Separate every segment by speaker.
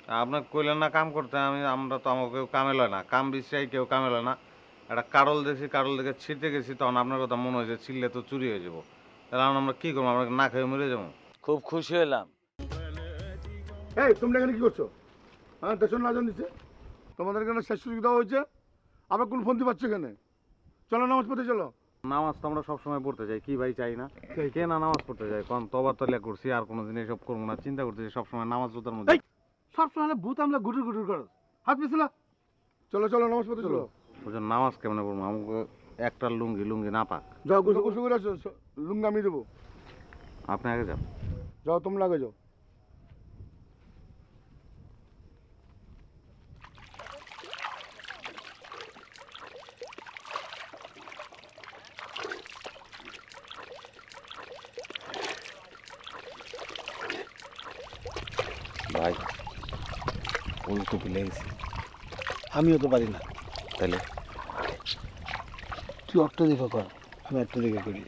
Speaker 1: আপনার কইলেন না কাম করতে, আমরা তো আমাকে কেউ কামে লয় না, কাম বিশ্রাই কেউ কামে লয় না। একটা কারল দেখছি, কারল দেখে ছিটতে গেছি, তখন আপনার কথা মনে হয়েছে ছিললে তো চুরি হয়ে যাবো। তাহলে এখন আমরা কি করবো? আমরা না খেয়ে মরে যাবো?
Speaker 2: খুব খুশি হলাম।
Speaker 3: এই তোমরা এখানে কি করছো? হ্যাঁ, দেশের না দিচ্ছে তোমাদের এখানে শেষ সুযোগ দেওয়া হয়েছে, আবার কোন ফোন পাচ্ছ এখানে? চলো নামাজ পড়তে চলো।
Speaker 1: নামাজ তো আমরা সবসময় পড়তে যাই, কি ভাই চাই না? কে না নামাজ পড়তে যায়? কারণ তবা তলিয়া করছি, আর কোনো দিন এসব করবো না, চিন্তা করতেছি সবসময় নামাজ জোতার মধ্যে।
Speaker 3: সবসময় ভূত আমলা গুটুর গুটুর করো, হাত পিছলা। চলো চলো নামাজ পড়তে চলো।
Speaker 1: বুঝছেন, নামাজ কেমনে পড়বো? আমাকে একটা লুঙ্গি লুঙ্গি না পাক।
Speaker 3: যাও গোসল গোসল করে আসো, লুঙ্গি আমি দেবো।
Speaker 1: আপনি আগে যান।
Speaker 3: যাও তোমরা আগে যাও।
Speaker 1: ভাই, ওই তো ভুলে গেছি।
Speaker 4: আমিও তো পারি না।
Speaker 1: তাহলে
Speaker 4: তুই অট্ট দেখে কর, আমি অট্ট দেখে করি।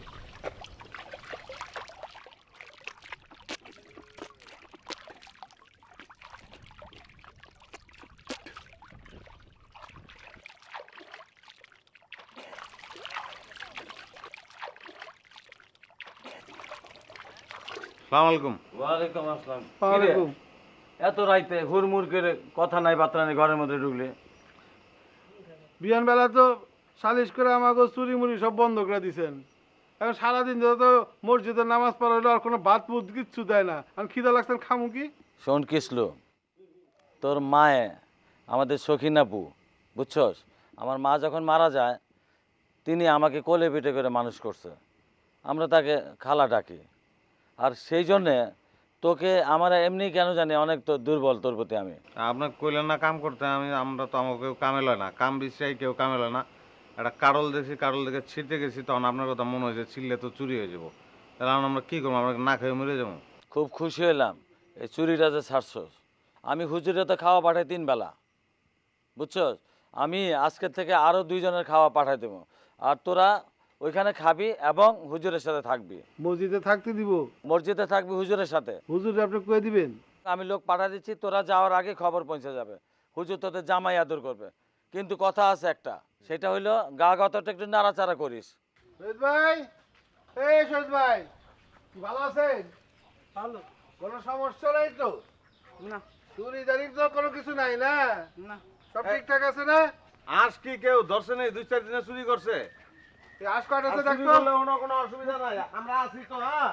Speaker 1: সালাম আলাইকুম।
Speaker 2: ওয়ালাইকুম আসসালাম।
Speaker 4: ওয়ালাইকুম।
Speaker 2: এত রাইতে হুড়মুড় করে কথা নাই বার্তা নাই ঘরের মধ্যে ঢুকলে?
Speaker 4: বিয়ান বেলা তো সালিশ করে আমাকে চুরি মুড়ি সব বন্ধ করে দিছেন। এখন সারাদিন ধরে তো মসজিদে নামাজ পড়া হইলো, আর কোনো ভাত মুদ কিচ্ছু দেয় না। এখন খিদা লাগছেন, খামু কি?
Speaker 2: শোন কিসলো, তোর মায়ে আমাদের সখিনাপু, বুঝছস? আমার মা যখন মারা যায়, তিনি আমাকে কোলে পিঠে করে মানুষ করছে। আমরা তাকে খালা ডাকি। আর সেই জন্যে তোকে আমার এমনি কেন জানি অনেক তো দুর্বল তোর প্রতি আমি।
Speaker 1: আপনার কইলেন না কাম করতে, আমরা তো আমাকে কেউ কামে লয় না, কাম বিশ্রাই কেউ কামে লয় না। একটা কারল দেখছি, কারল দেখে ছিটতে গেছি, তখন আপনার কথা মনে হয়েছে ছিললে তো চুরি হয়ে যাবো। তাহলে এখন আমরা কি করবো? আমরা না খেয়ে মরে যাবো?
Speaker 2: খুব খুশি হলাম এই চুরিটা যে ছাড়ছস। আমি হুজুরে তো খাওয়া পাঠাই 3 বেলা, বুঝছস? আমি আজকের থেকে আরও 2 জনের খাওয়া পাঠাই দেবো। আর তোরা ওইখানে খাবি এবং হুজুরের সাথে থাকবি।
Speaker 4: মসজিদে থাকতে দিব?
Speaker 2: মসজিদে থাকবি হুজুরের সাথে।
Speaker 4: হুজুর আপনি কয়ে দিবেন?
Speaker 2: আমি লোক পাঠা দিচ্ছি, তোরা যাওয়ার আগে খবর পৌঁছে যাবে। হুজুর তোদের জামাই আদর করবে। কিন্তু কথা আছে একটা, সেটা হইলো গা গতটা একটু নাড়াচাড়া করিস।
Speaker 4: শহীদ ভাই, এই শহীদ ভাই, কি ভালো আছেন?
Speaker 5: ভালো
Speaker 4: কোনো সমস্যা নাই তো?
Speaker 5: না।
Speaker 4: চুরি দাঁড়ি তো কোনো কিছু নাই না?
Speaker 5: না।
Speaker 4: সব ঠিকঠাক আছে না?
Speaker 1: আজ কি কেউ ধরছে নেই? 2-4 দিনে চুরি করছে।
Speaker 4: এই আশ কয়টা আছে দেখতো?
Speaker 1: কোনো অসুবিধা নাই, আমরা আছি তো। হ্যাঁ,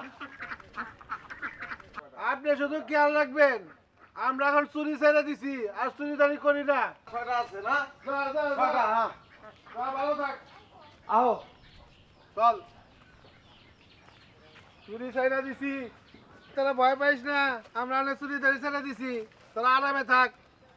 Speaker 4: আপনি শুধু খেয়াল রাখবেন, আমরা এখন চুরি ছেড়ে দিছি, আর চুরি দাঁড়ি করি না।
Speaker 1: ছয়টা আছে না?
Speaker 4: যা, যা, যা।
Speaker 1: ছয়টা, হ্যাঁ।
Speaker 4: যা, ভালো থাক।
Speaker 1: আও।
Speaker 4: চল, চুরি ছেড়ে দিছি, তোরা ভয় পাইস না। আমরা অনেক চুরি দাঁড়ি ছেড়ে দিছি, তোরা আরামে থাক।